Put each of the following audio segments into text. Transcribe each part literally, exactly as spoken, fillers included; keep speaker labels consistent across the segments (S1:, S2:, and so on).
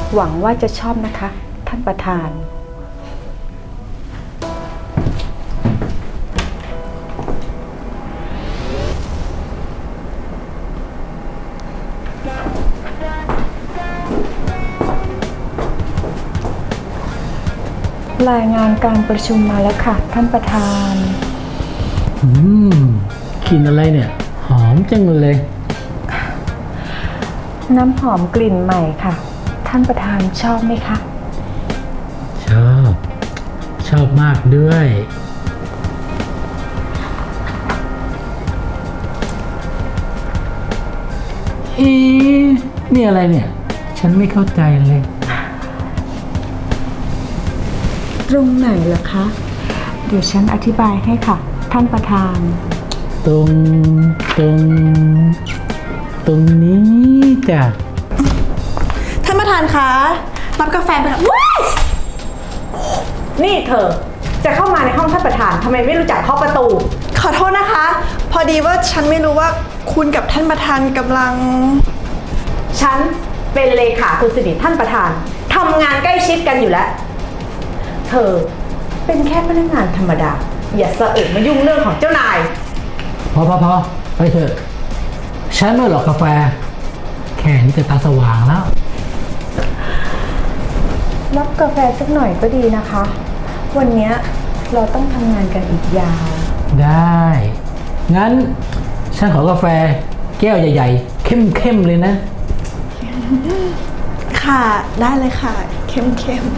S1: หวังว่าจะชอบนะคะ ท่านประธานรายงานการประชุมมาแล้วค่ะท่านประธาน
S2: อืมกลิ่นอะไรเนี่ย หอมจังเลย
S1: น้ำหอมกลิ่นใหม่ค่ะท่านประธานชอบไหมคะ
S2: ชอบ ชอบมากด้วยเอ๊ะนี่อะไรเนี่ย ฉันไม่เข้าใจเลย
S1: ตรงไหนเหรอคะ เดี๋ยวฉันอธิบายให้ค่ะท่านประธาน
S2: ตรงตรงตรงนี้จ้ะ
S3: ท่านประธานคะรับกาแฟไปค่ะว้าย
S1: นี่เธอจะเข้ามาในห้องท่านประธานทำไมไม่รู้จักเคาะประตู
S3: ขอโทษนะคะ พอดีว่าฉันไม่รู้ว่าคุณกับท่านประธานกำลัง
S1: ฉันเป็นเลขาคนสนิทท่านประธานทำงานใกล้ชิดกันอยู่แล้ว เธอเป็นแค่พนักงานธรรมดา อย่าสะอึกมายุ่งเรื่องของเจ้านาย
S2: พอพอพอไปเถอะ ฉันไม่หรอกกาแฟ แค่นี้จะตาสว่างแล้ว
S1: รับกาแฟสักหน่อยก็ดีนะคะ วันนี้เราต้องทำงานกันอีกยาว
S2: ได้ งั้น ฉันขอกาแฟแก้วใหญ่ๆ เข้มๆเลยนะ
S3: ค่ะ ได้เลยค่ะ เข้มเข้ม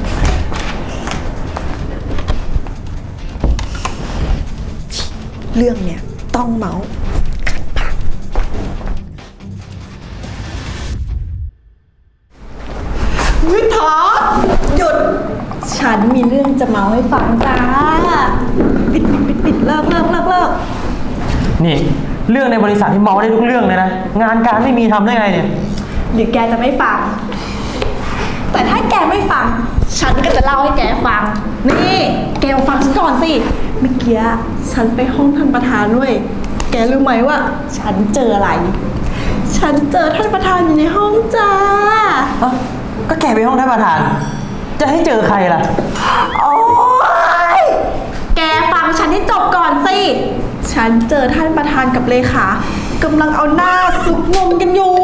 S3: เรื่องเนี่ยต้องเมาส์วิทอหยุด ฉันมีเรื่องจะเมาให้ฟังจ้า ปิดปิดปิดปิดเลิกเลิกเลิกเลิก
S4: นี่เรื่องในบริษัทที่เมาได้ทุกเรื่องเลยนะ งานการไม่มีทำได้ไงเนี่ย
S3: เดี๋ยวแกจะไม่ฟัง แต่ถ้าแกไม่ฟัง ฉันก็จะเล่าให้แกฟัง นี่ แกฟังฉันก่อนสิ เมื่อกี้ฉันไปห้องท่านประธานด้วย แกรู้ไหมว่า ฉันเจออะไร ฉันเจอท่านประธานอยู่ในห้องจ้า
S4: เอ้าก็แกไปห้องท่านประธาน จะให้เจอใครล่ะ
S3: โอ๊ย แกฟังฉันให้จบก่อนสิ ฉันเจอท่านประธานกับเลขากำลังเอาหน้าซุกนมกันอยู่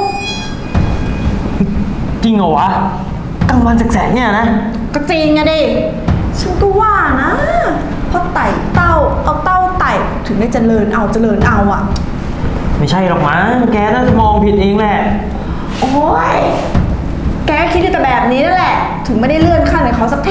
S4: จริงเหรอวะกลางวันแสกๆเนี่ยนะ
S3: ก็จริงอะดิ ฉันก็ว่านะเพราะไต่เต้าเอาเต้าไต่ถึงได้เจริญเอาเจริญเอาอะ
S4: ไม่ใช่หรอกมั้งแกน่าจะมองผิดเองแหละ
S3: โอ๊ย แกก็คิดแต่แบบนี้นั่นแหละ ถึงไม่ได้เลื่อนขั้นกับเขาสักที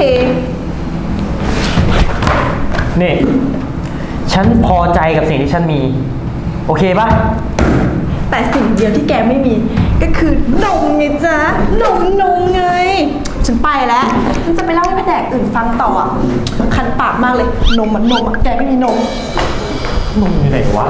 S4: นี่ ฉันพอใจกับสิ่งที่ฉันมี โอเคปะ
S3: แต่สิ่งเดียวที่แกไม่มี ก็คือนมไงจ๊ะนมนมไง ฉันไปแล้วฉันจะไปเล่าให้แผนกอื่นฟังต่ออ่ะคันปากมากเลย นมมันนมอ่ะแกไม่มีนม
S4: นุ่มอยู่ไหนวะ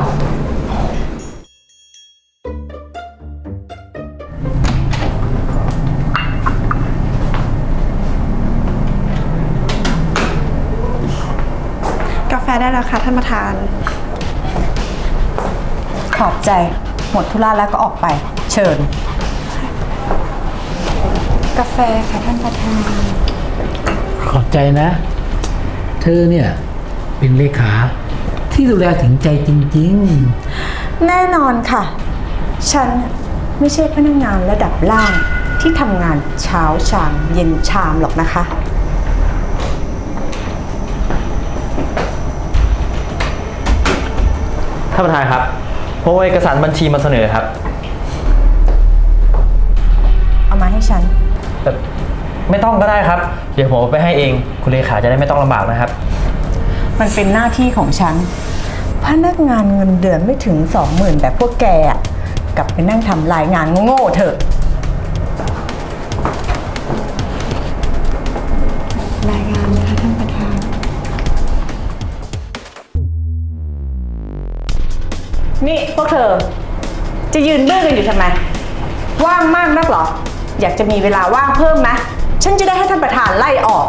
S3: กาแฟได้แล้วค่ะท่านประธาน
S1: ขอบใจหมดธุระแล้วก็ออกไป เชิญ กาแฟค่ะท่านประธาน
S2: ขอบใจนะ เธอเนี่ย เป็นเลขา ที่ดูแลถึงใจจริง
S1: แน่นอนค่ะ ฉันไม่ใช่พนักงานระดับล่างที่ทำงานเช้าชามเย็นชามหรอกนะคะ
S4: ท่านประธานครับผมเอาเอกสารบัญชีมาเสนอครับ
S1: เอามาให้ฉัน
S4: แต่ไม่ต้องก็ได้ครับ เดี๋ยวผมเอาไปให้เอง คุณเลขาจะได้ไม่ต้องลำบากนะครับ
S1: มันเป็นหน้าที่ของฉัน พนักงานเงินเดือนไม่ถึงสองหมื่นแบบพวกแกอะกลับไปนั่งทำรายงานโง่ๆเถอะ รายงานนะคะท่านประธาน นี่พวกเธอ จะยืนเบื่อกันอยู่ทำไม ว่างมากนักเหรอ อยากจะมีเวลาว่างเพิ่มไหมฉันจะได้ให้ท่านประธานไล่ออก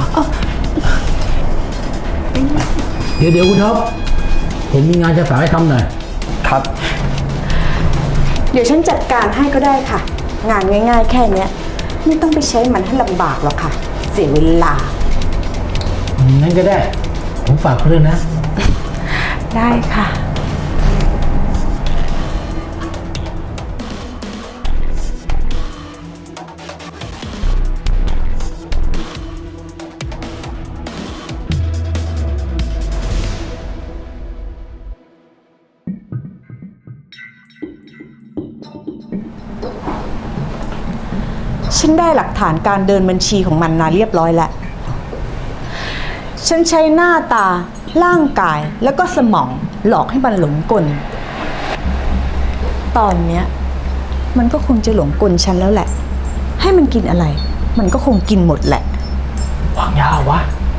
S2: ๆ เดี๋ยวเดี๋ยวคุณท็อปผมมีงานจะฝากให้ทำหน่อย
S4: ครับ
S1: เดี๋ยวฉันจัดการให้ก็ได้ค่ะ งานง่ายๆแค่เนี้ยไม่ต้องไปใช้มันให้ลำบากหรอกค่ะ เสียเวลา
S2: งั้นก็ได้ ผมฝากเรื่องนะ
S1: ได้ค่ะ ฉันได้หลักฐานการเดินบัญชีของมันมาเรียบร้อยแล้ว ฉันใช้หน้าตา ร่างกาย แล้วก็สมองหลอกให้มันหลงกล ตอนเนี้ย มันก็คงจะหลงกลฉันแล้วแหละ ให้มันกินอะไร มันก็คงกินหมดแหละ
S4: วางยาวะ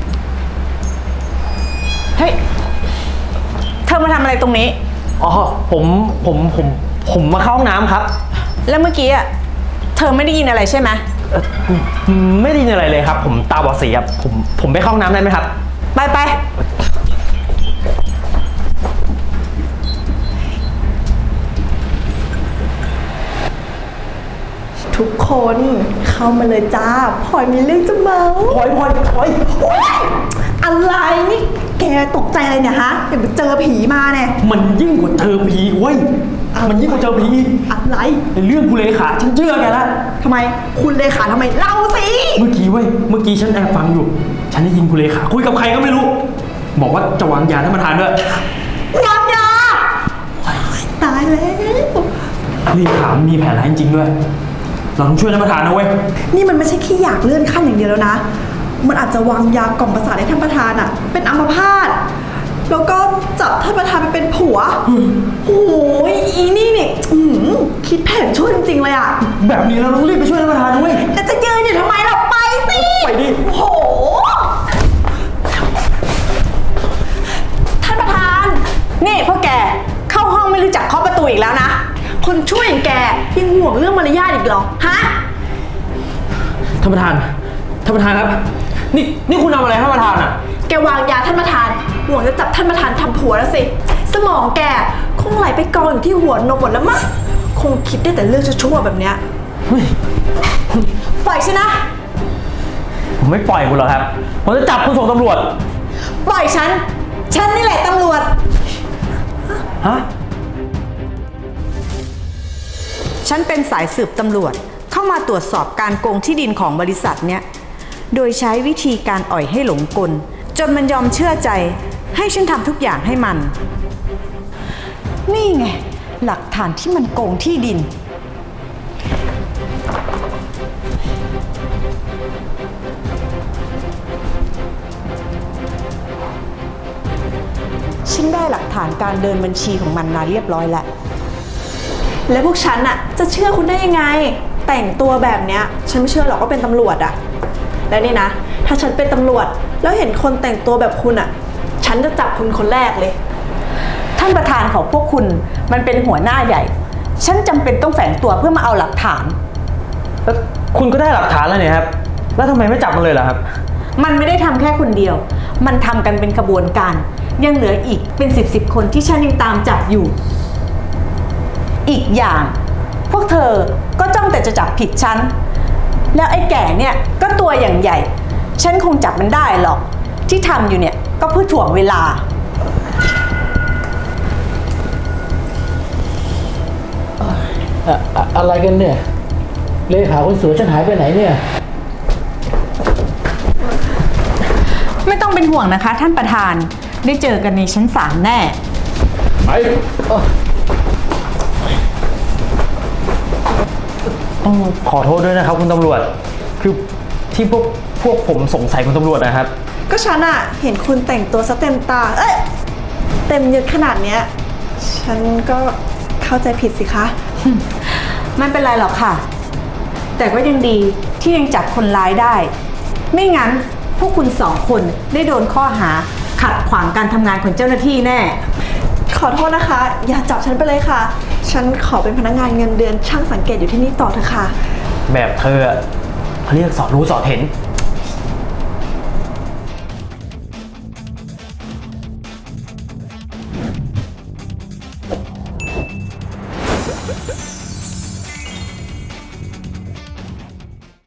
S1: เฮ้ย เธอมาทำอะไรตรงนี้
S4: อ๋อ ผม ผม ผม ผมมาเข้าห้องน้ำครับ
S1: แล้วเมื่อกี้อ่ะ เธอไม่ได้ยินอะไรใช่ไหม
S4: เอ่อไม่ได้ยินอะไรเลยครับ ผมตาบอดสีครับ ผม ผมไปเข้าห้องน้ำได้ไหมครับ
S1: ไปไป
S3: ทุกคนเข้ามาเลยจ้าพลอยมีเรื่องจะเมา
S4: พลอยพลอยพลอย
S3: โอ๊ยอะไรนี่แกตกใจอะไรเนี่ยฮะเดี๋ยวไปเจอผีมาเนี่ย
S4: มันยิ่งกว่าเจอผีเว้ย มันยิ่งกว่าเจอผีอีก
S3: อะไร
S4: ในเรื่องกูเลขาฉันเชื่อแกแล้ว
S3: ทำไมคุณเลขาทำไมเล่าสิ
S4: เมื่อกี้เว้ย เมื่อกี้ฉันแอบฟังอยู่ ฉันได้ยินคุณเลขาคุยกับใครก็ไม่รู้ บอกว่าจะวางยาท่านประธานด้วย
S3: วางยาตายแล้ว
S4: เลขามันมีแผนร้ายจริงๆด้วย เราต้องช่วยท่านประธานนะเว้ย
S3: นี่มันไม่ใช่แค่อยากเลื่อนขั้นอย่างเดียวแล้วนะ มันอาจจะวางยากล่อมประสาทให้ท่านประธานอะเป็นอัมพาตแล้วก็จับท่านประธานไปเป็นผัวโอ้ยอีนี่เนี่ยอื้อหือคิดแผนชั่วจริงๆเลยอะ
S4: แบบนี้เราต้องรีบไปช่วยท่านประธานนะเว้ย
S3: แล้วจะยืนอยู่ทำไมเราไปสิ
S4: ไปดิ
S3: โอ้โห ท่านประธาน
S1: นี่พวกแก เข้าห้องไม่รู้จักเคาะประตูอีกแล้วนะ
S3: คนช่วยอย่างแกยังห่วงเรื่องมารยาทอีกเหรอ ฮะ
S4: ท่านประธาน ท่านประธานครับ นี่ นี่คุณทำอะไรท่านประธานอ่ะ
S3: แกวางยาท่านประธานห่วงจะจับท่านประธานทำผัวแล้วสิ สมองแกคงไหลไปกองอยู่ที่หัวนมหมดแล้วมั้งคงคิดได้แต่เรื่องชั่วๆแบบเนี้ย
S4: เฮ้ย
S1: ปล่อยฉันนะ
S4: ผมไม่ปล่อยคุณหรอกครับ ผมจะจับคุณส่งตำรวจ
S1: ปล่อยฉัน ฉันนี่แหละตำรวจ
S4: ฮะ
S1: ฉันเป็นสายสืบตำรวจเข้ามาตรวจสอบการโกงที่ดินของบริษัทเนี้ย โดยใช้วิธีการอ่อยให้หลงกล จนมันยอมเชื่อใจ ให้ฉันทำทุกอย่างให้มัน นี่ไง หลักฐานที่มันโกงที่ดิน ฉันได้หลักฐานการเดินบัญชีของมันมาเรียบร้อยแล้ว
S3: แล้วพวกฉันอะจะเชื่อคุณได้ยังไง แต่งตัวแบบเนี้ย ฉันไม่เชื่อหรอกว่าเป็นตำรวจอะแล้วนี่นะ ถ้าฉันเป็นตำรวจ แล้วเห็นคนแต่งตัวแบบคุณอะฉันจะจับคุณคนแรกเลย
S1: ท่านประธานของพวกคุณมันเป็นหัวหน้าใหญ่ ฉันจำเป็นต้องแฝงตัวเพื่อมาเอาหลักฐาน
S4: แล้วคุณก็ได้หลักฐานแล้วเนี่ยครับ แล้วทำไมไม่จับมันเลยล่ะครับ
S1: มันไม่ได้ทำแค่คนเดียว มันทำกันเป็นขบวนการ ยังเหลืออีกเป็นสิบสิบคนที่ฉันยังตามจับอยู่ อีกอย่าง พวกเธอก็จ้องแต่จะจับผิดฉัน แล้วไอ้แก่เนี่ยก็ตัวอย่างใหญ่ ฉันคงจับมันได้หรอก ที่ทำอยู่เนี่ยก็เพื่อถ่วงเวลา
S2: อะอะอะไรกันเนี่ย เลขาคนสวยฉันหายไปไหนเนี่ย
S1: ไม่ต้องเป็นห่วงนะคะ ท่านประธาน ได้เจอกันในชั้นศาลแน่
S2: ไปเอ้อ
S4: ต้องขอโทษด้วยนะครับคุณตำรวจ คือที่พวกพวกผมสงสัยคุณตำรวจนะครับ
S3: ก็ฉันอะเห็นคุณแต่งตัวซะเต็มตา เอ้ย เต็มยศขนาดเนี้ย ฉันก็เข้าใจผิดสิคะ
S1: ไม่เป็นไรหรอกค่ะ แต่ก็ยังดีที่ยังจับคนร้ายได้ ไม่งั้นพวกคุณสองคนได้โดนข้อหาขัดขวางการทำงานของเจ้าหน้าที่แน่
S3: ขอโทษนะคะ อย่าจับฉันไปเลยค่ะ ฉันขอเป็นพนักงานเงินเดือนช่างสังเกตอยู่ที่นี่ต่อเถอะค่ะ
S4: แบบเธออะเขาเรียกสอดรู้สอดเห็น